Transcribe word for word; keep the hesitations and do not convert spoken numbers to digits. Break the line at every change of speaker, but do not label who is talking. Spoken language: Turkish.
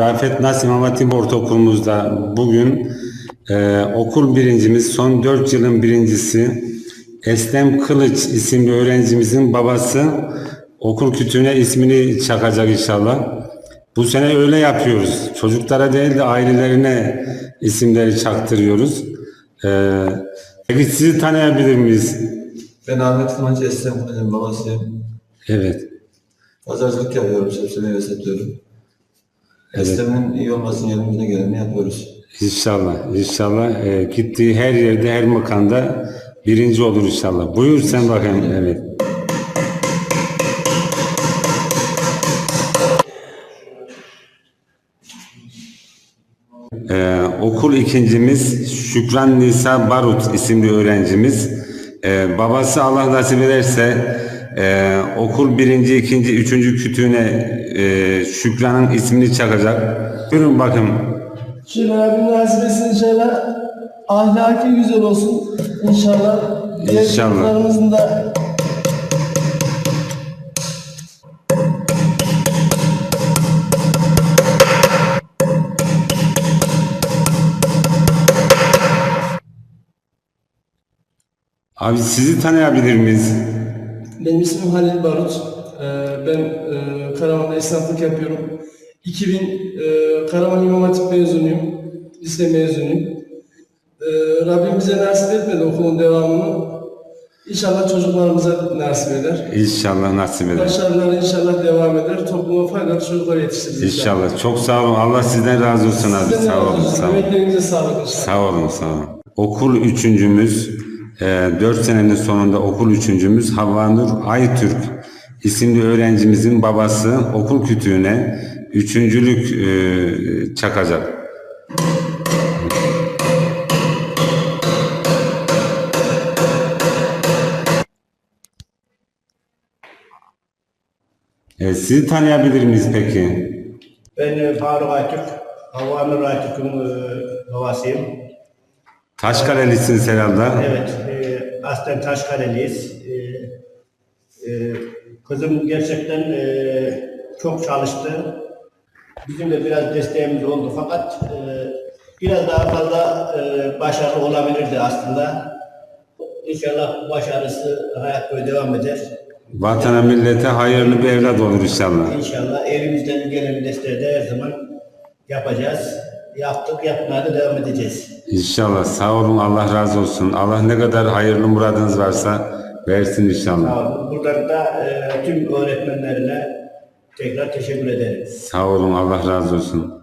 Rafet Nas İmam Hatip Ortaokulumuzda bugün e, okul birincimiz, son dört yılın birincisi Eslem Kılıç isimli öğrencimizin babası okul kütüğüne ismini çakacak inşallah. Bu sene öyle yapıyoruz. Çocuklara değil de ailelerine isimleri çaktırıyoruz. Ee, peki sizi tanıyabilir miyiz?
Ben Ahmet Kıvanç, Eslem Kılıç'ın babasıyım.
Evet.
Pazarcılık yapıyorum, sebze meyve satıyorum.
Evet.
Eslem'in iyi olmasının elimizden geleni yapıyoruz.
İnşallah, inşallah e, gittiği her yerde, her makamda birinci olur inşallah. Buyur sen bakayım. Evet. Ee, okul ikincimiz Şükran Nisa Barut isimli öğrencimiz. Ee, babası Allah nasip ederse e, okul birinci, ikinci, üçüncü kütüğüne e, Şükran'ın ismini çakacak. Buyurun bakın.
Şöyle Rabbim nasip etsin inşallah. Ahlaki güzel olsun inşallah. Diğer
İnşallah.
çocuklarımızın da
Abi sizi tanıyabilir miyiz?
benim ismim Halil Barut. Ee, Ben e, Karaman'da esnaflık yapıyorum. iki bin e, Karaman İmam Hatip mezunuyum. Lise mezunuyum. Ee, Rabbim bize nasip etmedi okulun devamını. İnşallah çocuklarımıza nasip eder.
İnşallah nasip eder.
Başarılar inşallah devam eder. Topluma faydalı çocuklar yetiştiririz inşallah.
İnşallah. Çok sağ olun. Allah sizden razı olsun abi.
Sizden de
Sağ
razı
olun.
olsun.
Sağ olun.
Emeklerinize sağlık inşallah.
Sağ olun. Sağ olun. Okul üçüncümüz, e, dört senenin sonunda okul üçüncümüz Havvanur Aytürk isimli öğrencimizin babası okul kütüğüne üçüncülük e, çakacak. E, sizi tanıyabilir miyiz peki?
Ben e, Faruk Aytürk, Havvanur Aytürk'ün e, babasıyım.
Taşkalelisiniz herhalde.
Evet, e, aslen Taşkareliyiz. E, e, kızım gerçekten e, çok çalıştı. Bizim de biraz desteğimiz oldu fakat e, biraz daha fazla e, başarılı olabilirdi aslında. İnşallah başarısı hayat boyu devam eder.
Vatana millete hayırlı bir evlat olur inşallah.
İnşallah elimizden gelen desteği de her zaman yapacağız. Yaptık, yapmaya da devam edeceğiz.
İnşallah. Sağ olun. Allah razı olsun. Allah ne kadar hayırlı muradınız varsa versin inşallah.
Sağ olun. Buradan da e, tüm öğretmenlerine tekrar teşekkür ederim.
Sağ olun. Allah razı olsun.